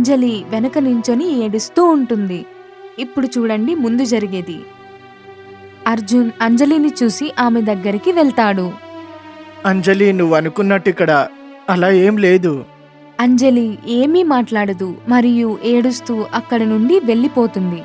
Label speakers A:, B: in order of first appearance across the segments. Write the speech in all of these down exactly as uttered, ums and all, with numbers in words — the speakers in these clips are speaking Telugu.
A: అంజలి వెనక నించొని ఏడుస్తూ ఉంటుంది. ఇప్పుడు చూడండి ముందు జరిగేది. అర్జున్ అంజలిని చూసి ఆమె దగ్గరికి వెళ్తాడు.
B: అంజలి, నువ్వు అనుకున్నట్టు ఇక్కడ అలా ఏం లేదు.
A: అంజలి ఏమీ మాట్లాడదు మరియు ఏడుస్తూ అక్కడి నుండి వెళ్ళిపోతుంది.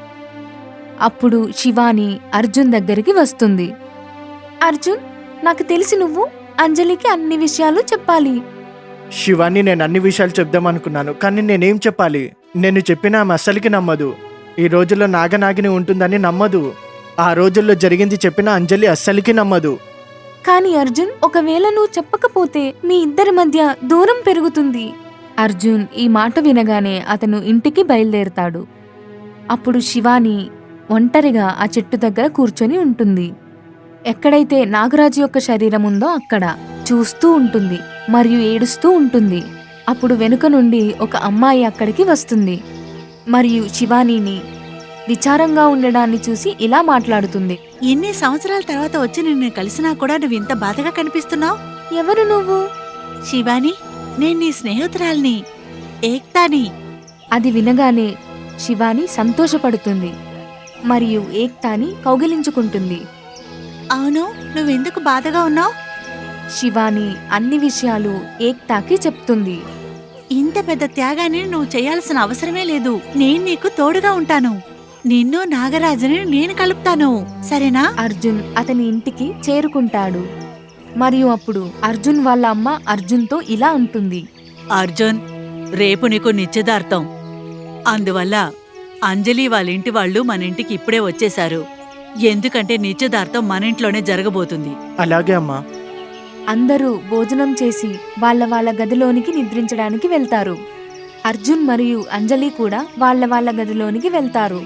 A: అప్పుడు శివాని అర్జున్ దగ్గరికి వస్తుంది. అర్జున్, నాకు తెలిసి నువ్వు అంజలికి అన్ని విషయాలు చెప్పాలి.
B: శివాని, నేను అన్ని విషయాలు చెప్దామనుకున్నాను, కానీ నేనేం చెప్పాలి? నేను చెప్పినా ఆమె అస్సలికి నమ్మదు. ఈ రోజుల్లో నాగనాగిని ఉంటుందని నమ్మదు. ఆ రోజుల్లో జరిగింది చెప్పినా అంజలి అస్సలికి నమ్మదు.
A: కాని అర్జున్, ఒకవేళ నువ్వు చెప్పకపోతే మీ ఇద్దరి మధ్య దూరం పెరుగుతుంది. అర్జున్ ఈ మాట వినగానే అతను ఇంటికి బయలుదేరుతాడు. అప్పుడు శివాని ఒంటరిగా ఆ చెట్టు దగ్గర కూర్చొని ఉంటుంది. ఎక్కడైతే నాగరాజు యొక్క శరీరం ఉందో అక్కడ చూస్తూ ఉంటుంది మరియు ఏడుస్తూ ఉంటుంది. అప్పుడు వెనుక నుండి ఒక అమ్మాయి అక్కడికి వస్తుంది మరియు శివానీని విచారంగా ఉండడాన్ని చూసి ఇలా మాట్లాడుతుంది.
C: ఎన్ని సంవత్సరాల తర్వాత వచ్చి నిన్ను కలిసినా కూడా నువ్వు ఇంత బాధగా కనిపిస్తున్నావు.
A: ఎవరు నువ్వు?
C: శివాని, నేను నీ స్నేహితురాల్ని, ఏక్తాని.
A: అది వినగానే శివాని సంతోషపడుతుంది మరియు ఏక్తాని కౌగిలించుకుంటుంది.
C: అవును, నువ్వెందుకు బాధగా ఉన్నావు?
A: శివాని అన్ని విషయాలు ఏక్తాకి చెప్తుంది.
C: ఇంత పెద్ద త్యాగాన్ని నువ్వు చేయాల్సిన అవసరమే లేదు. నేను నీకు తోడుగా ఉంటాను. నిన్ను నాగరాజుని నేను కలుపుతాను, సరేనా?
A: అర్జున్ అతని ఇంటికి చేరుకుంటాడు మరియు అప్పుడు అర్జున్ వాళ్ళ అమ్మ అర్జున్తో ఇలా అంటుంది.
C: అర్జున్, రేపు నీకు నిశ్చితార్థం. అందువల్ల అంజలి వాళ్ళ ఇంటి వాళ్ళు మన ఇంటికి ఇప్పుడే వచ్చేశారు. ఎందుకంటే నిశ్చితార్థం మన ఇంట్లోనే జరగబోతుంది.
B: అలాగే అమ్మా.
A: అందరూ భోజనం చేసి వాళ్ళ వాళ్ళ గదిలోనికి నిద్రించడానికి వెళ్తారు. అర్జున్ మరియు అంజలి కూడా వాళ్ళ వాళ్ళ గదిలోనికి వెళ్తారు.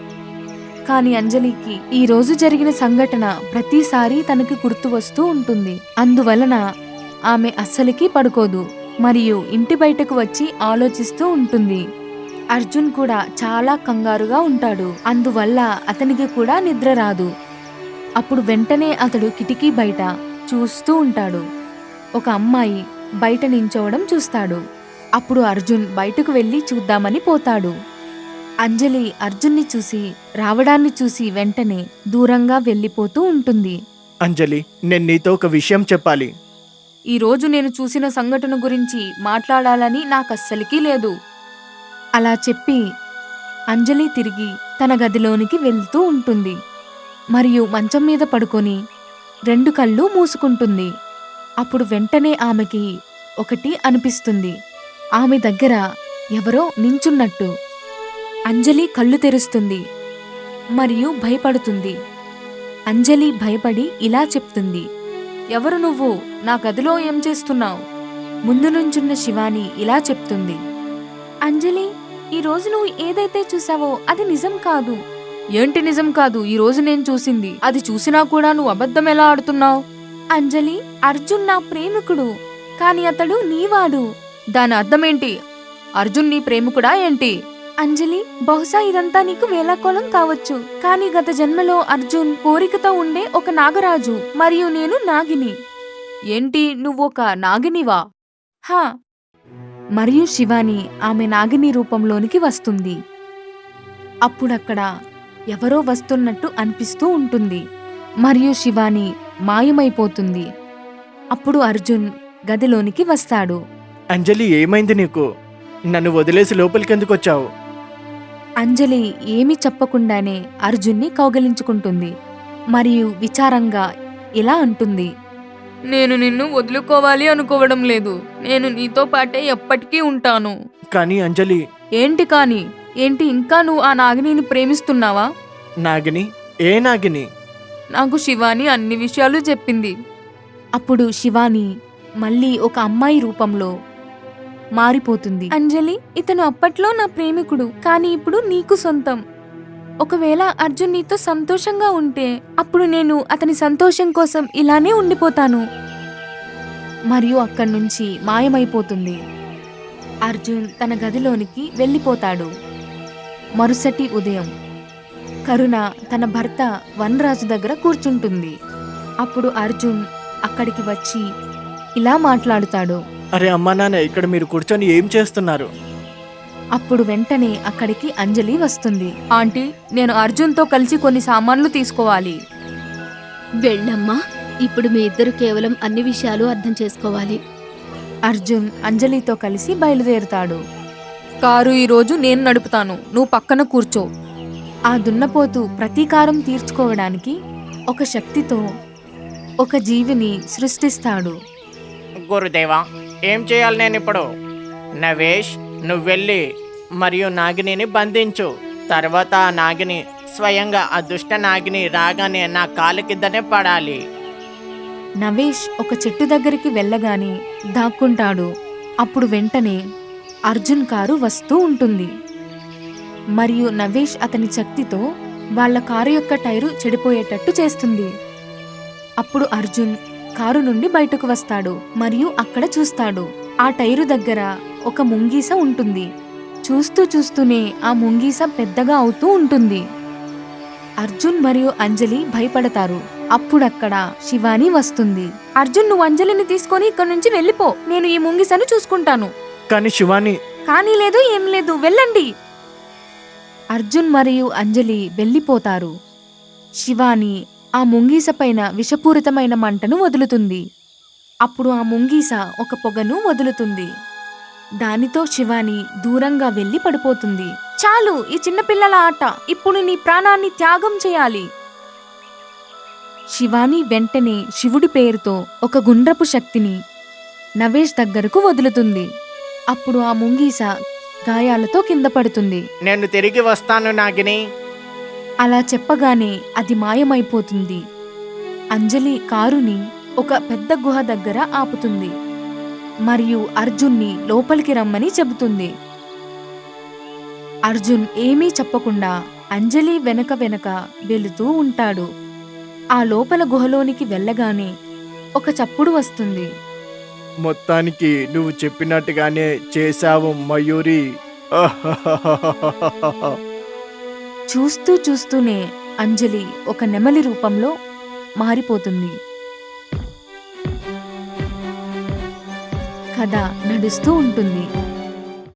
A: కాని అంజలికి ఈ రోజు జరిగిన సంఘటన ప్రతిసారి తనకి గుర్తు వస్తూ ఉంటుంది. అందువలన ఆమె అస్సలికి పడుకోదు మరియు ఇంటి బయటకు వచ్చి ఆలోచిస్తూ ఉంటుంది. అర్జున్ కూడా చాలా కంగారుగా ఉంటాడు. అందువల్ల అతనికి కూడా నిద్ర రాదు. అప్పుడు వెంటనే అతడు కిటికీ బయట చూస్తూ ఉంటాడు. ఒక అమ్మాయి బయట నించోవడం చూస్తాడు. అప్పుడు అర్జున్ బయటకు వెళ్లి చూద్దామని పోతాడు. అంజలి అర్జున్ని చూసి రావడాన్ని చూసి వెంటనే దూరంగా వెళ్ళిపోతూ ఉంటుంది.
B: అంజలి, నేను నీతో ఒక విషయం చెప్పాలి.
A: ఈ రోజు నేను చూసిన సంఘటన గురించి మాట్లాడాలని నాకస్సలికి లేదు. అలా చెప్పి అంజలి తిరిగి తన గదిలోనికి వెళ్తూ ఉంటుంది మరియు మంచం మీద పడుకొని రెండు కళ్ళు మూసుకుంటుంది. అప్పుడు వెంటనే ఆమెకి ఒకటి అనిపిస్తుంది. ఆమె దగ్గర ఎవరో నించున్నట్టు. అంజలి కళ్ళు తెరుస్తుంది మరియు భయపడుతుంది. అంజలి భయపడి ఇలా చెప్తుంది. ఎవరు నువ్వు? నా గదిలో ఏం చేస్తున్నావు? ముందు నుంచున్న శివాని ఇలా చెప్తుంది. అంజలి, ఈ రోజు నువ్వు ఏదైతే చూసావో అది నిజం కాదు. ఏంటి నిజం కాదు? ఈ రోజు నేను చూసింది. అది చూసినా కూడా నువ్వు అబద్ధం ఎలా ఆడుతున్నావు? అంజలి, అర్జున్ నా ప్రేమికుడు, కాని అతడు నీవాడు. దాని అర్థమేంటి? అర్జున్ నీ ప్రేమికుడా ఏంటి? అంజలి, బహుశా ఇదంతా నీకు వేళాకోళం కావచ్చు, కాని గత జన్మలో అర్జున్ కోరికతో ఉండే ఒక నాగరాజు మరియు నేను నాగిని. ఏంటి, నువ్వొక నాగినివా? హా. మరియు శివాని ఆమె నాగిని రూపంలోనికి వస్తుంది. అప్పుడక్కడ ఎవరో వస్తున్నట్టు అనిపిస్తూ ఉంటుంది మరియు శివాని మాయమైపోతుంది. అప్పుడు అర్జున్ గదిలోనికి వస్తాడు.
B: అంజలి, ఏమైంది నీకు? నన్ను వదిలేసి లోపలికెందుకు వచ్చావు?
A: అంజలి ఏమీ చెప్పకుండానే అర్జున్ని కౌగలించుకుంటుంది మరియు విచారంగా ఇలా అంటుంది. నేను నిన్ను వదులుకోవాలి అనుకోవడం లేదు. నేను నీతో పాటే ఎప్పటికీ ఉంటాను.
B: కానీ అంజలి.
A: ఏంటి కాని? ఏంటి, ఇంకా నువ్వు ఆ నాగిని ప్రేమిస్తున్నావా?
B: నాగిని? ఏ నాగిని?
A: నాకు శివాని అన్ని విషయాలు చెప్పింది. అప్పుడు శివాని మళ్ళీ ఒక అమ్మాయి రూపంలో మారిపోతుంది. అంజలి, ఇతను అప్పట్లో నా ప్రేమికుడు, కానీ ఇప్పుడు నీకు సొంతం. ఒకవేళ అర్జున్ నీతో సంతోషంగా ఉంటే అప్పుడు నేను అతని సంతోషం కోసం ఇలానే ఉండిపోతాను. మరియు అక్కడి నుంచి మాయమైపోతుంది. అర్జున్ తన గదిలోనికి వెళ్ళిపోతాడు. మరుసటి ఉదయం కరుణ తన భర్త వనరాజు దగ్గర కూర్చుంటుంది. అప్పుడు అర్జున్ అక్కడికి వచ్చి ఇలా మాట్లాడుతాడు.
B: అరే అమ్మా నాన్న, ఇక్కడ మీరు కూర్చొని ఏం చేస్తున్నారు?
A: అప్పుడు వెంటనే అక్కడికి అంజలి వస్తుంది. ఆంటీ, నేను అర్జున్తో కలిసి కొన్ని సామాన్లు తీసుకోవాలి.
D: వెళ్ళమ్మా, ఇప్పుడు మీ ఇద్దరు కేవలం అన్ని విషయాలు అర్థం చేసుకోవాలి.
A: అర్జున్ అంజలితో కలిసి బయలుదేరుతాడు. కారు ఈరోజు నేను నడుపుతాను, నువ్వు పక్కన కూర్చో. ఆ దున్నపోతు ప్రతీకారం తీర్చుకోవడానికి ఒక శక్తితో ఒక జీవిని సృష్టిస్తాడు.
B: గురుదేవా, ఏం చేయాలి నేను ఇప్పుడు? నవేష్, నువ్వు వెళ్ళి మరియు నాగిని బంధించు. తర్వాత ఆ నాగిని స్వయంగా ఆ దుష్ట నాగిని రాగానే నా కాలు కిందనే పడాలి.
A: నవేష్ ఒక చెట్టు దగ్గరికి వెళ్ళగానే దాక్కుంటాడు. అప్పుడు వెంటనే అర్జున్ కారు వస్తూ ఉంటుంది మరియు నవేష్ అతని శక్తితో వాళ్ళ కారు యొక్క టైరు చెడిపోయేటట్టు చేస్తుంది. అప్పుడు అర్జున్ కారు నుండి బయటకు వస్తాడు మరియు అక్కడ చూస్తాడు. ఆ టైరు దగ్గర ఒక ముంగీస ఉంటుంది. చూస్తూ చూస్తూనే ఆ ముంగీస పెద్దగా అవుతూ ఉంటుంది. అర్జున్ మరియు అంజలి భయపడతారు. అప్పుడక్కడ శివాని వస్తుంది. అర్జున్, నువ్వు అంజలిని తీసుకొని ఇక్కడి నుంచి వెళ్ళిపో, నేను ఈ ముంగిసను చూసుకుంటాను.
B: కానీ శివాని,
A: కానీ లేదు, ఏం లేదు, వెళ్ళండి. అర్జున్ మరియు అంజలి వెళ్ళిపోతారు. శివాని ఆ ముంగీస పైన విషపూరితమైన మంటను వదులుతుంది. అప్పుడు ఆ ముంగీస ఒక పొగను వదులుతుంది. దానితో శివాని దూరంగా వెళ్లి పడిపోతుంది. చాలు, ఈ చిన్నపిల్లల ఆట, ఇప్పుడు నీ ప్రాణాన్ని త్యాగం చేయాలి. శివాని వెంటనే శివుడి పేరుతో ఒక గుండ్రపు శక్తిని నవేష్ దగ్గరకు వదులుతుంది. అప్పుడు ఆ ముంగీస గాయాలతో కింద పడుతుంది.
B: నేను తిరిగి వస్తాను నాగిని.
A: అలా చెప్పగానే అది మాయమైపోతుంది. అంజలి కారుని ఒక పెద్ద గుహ దగ్గర ఆపుతుంది మరియు అర్జున్ని లోపలికి రమ్మని చెబుతుంది. అర్జున్ ఏమీ చెప్పకుండా అంజలి వెనక వెనక వెళుతూ ఉంటాడు. ఆ లోపల గుహలోనికి వెళ్ళగానే ఒక చప్పుడు వస్తుంది.
B: మొత్తానికి నువ్వు చెప్పినట్టుగానే చేశావు మయూరి.
A: చూస్తూ చూస్తూనే అంజలి ఒక నెమలి రూపంలో మారిపోతుంది. కథ నడుస్తూ ఉంటుంది.